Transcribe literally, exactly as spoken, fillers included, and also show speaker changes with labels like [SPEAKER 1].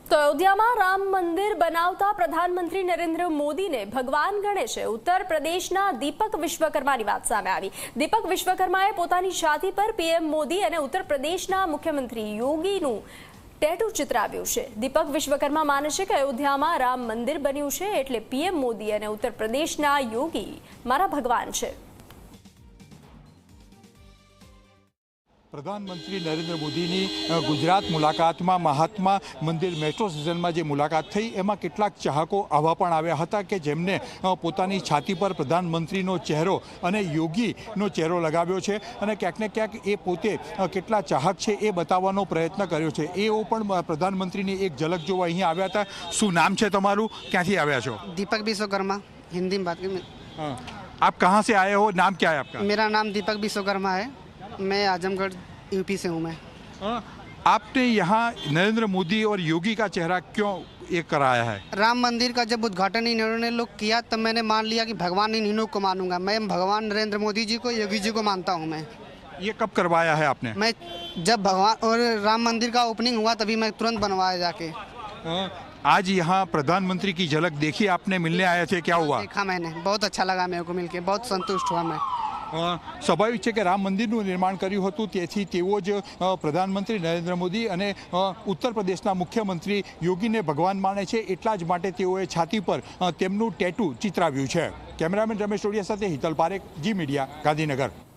[SPEAKER 1] તો અયોધ્યામાં રામ મંદિર બનાવતા પ્રધાનમંત્રી નરેન્દ્ર મોદીને ભગવાન ગણેશે ઉત્તર પ્રદેશના દીપક વિશ્વકર્માની વાત સામે આવી। દીપક વિશ્વકર્માએ પોતાની છાતી પર પીએમ મોદી અને ઉત્તર પ્રદેશના મુખ્યમંત્રી યોગીનું ટેટુ ચિતરાવ્યું છે। દીપક વિશ્વકર્મા માને છે કે અયોધ્યામાં રામ મંદિર બન્યું છે એટલે પીએમ મોદી અને ઉત્તર પ્રદેશના યોગી મારા ભગવાન છે।
[SPEAKER 2] प्रधानमंत्री नरेंद्र मोदी गुजरात मुलाकात में महात्मा मंदिर मेट्रो स्टेशन में जो मुलाकात थी एम केटलाक चाहको आवा पण आव्या हता के जेमने पोतानी छाती पर प्रधानमंत्री चेहरो अने योगी चेहरो लगाव्यो छे अने क्यांक ने क्यांक ए पोते केटला चाहक छे ए बताववानो प्रयत्न कर्यो छे। एवो पण प्रधानमंत्री एक झलक जोवा अहीं आव्या हता। शुं नाम छे तमारुं, क्यांथी आव्या छो?
[SPEAKER 3] दीपक विश्वकर्मा, हिंदी में बात करें।
[SPEAKER 2] हाँ, आप कहाँ से आए हो, नाम क्या है आपका?
[SPEAKER 3] मेरा नाम दीपक विश्वकर्मा है, मैं आजमगढ़ यूपी से हूँ। मैं
[SPEAKER 2] हाँ, आपने यहाँ नरेंद्र मोदी और योगी का चेहरा क्यों एक कराया है?
[SPEAKER 3] राम मंदिर का जब उद्घाटन इन्होंने लोग किया तब मैंने मान लिया कि भगवान इन इन्हों को मानूंगा। मैं भगवान नरेंद्र मोदी जी को, योगी जी को मानता हूँ। मैं
[SPEAKER 2] ये कब करवाया है आपने?
[SPEAKER 3] मैं जब भगवान और राम मंदिर का ओपनिंग हुआ तभी मैं तुरंत बनवाया जाके।
[SPEAKER 2] हाँ, आज यहाँ प्रधानमंत्री की झलक देखी आपने, मिलने आए थे, क्या हुआ?
[SPEAKER 3] देखा मैंने, बहुत अच्छा लगा मेरे को मिलके, बहुत संतुष्ट हुआ मैं।
[SPEAKER 2] स्वाभाविक है कि राम मंदिरનું નિર્માણ કર્યું હતું તેથી તેઓ જ પ્રધાનમંત્રી નરેન્દ્ર મોદી અને ઉત્તર પ્રદેશના મુખ્યમંત્રી યોગીને ભગવાન માને છે એટલા જ માટે તેઓએ છાતી પર તેમનું ટેટુ ચિતરાવ્યું છે। કેમેરામેન રમેશ ટોડિયા સાથે હિતલ પારેખ, જી મીડિયા, ગાંધીનગર।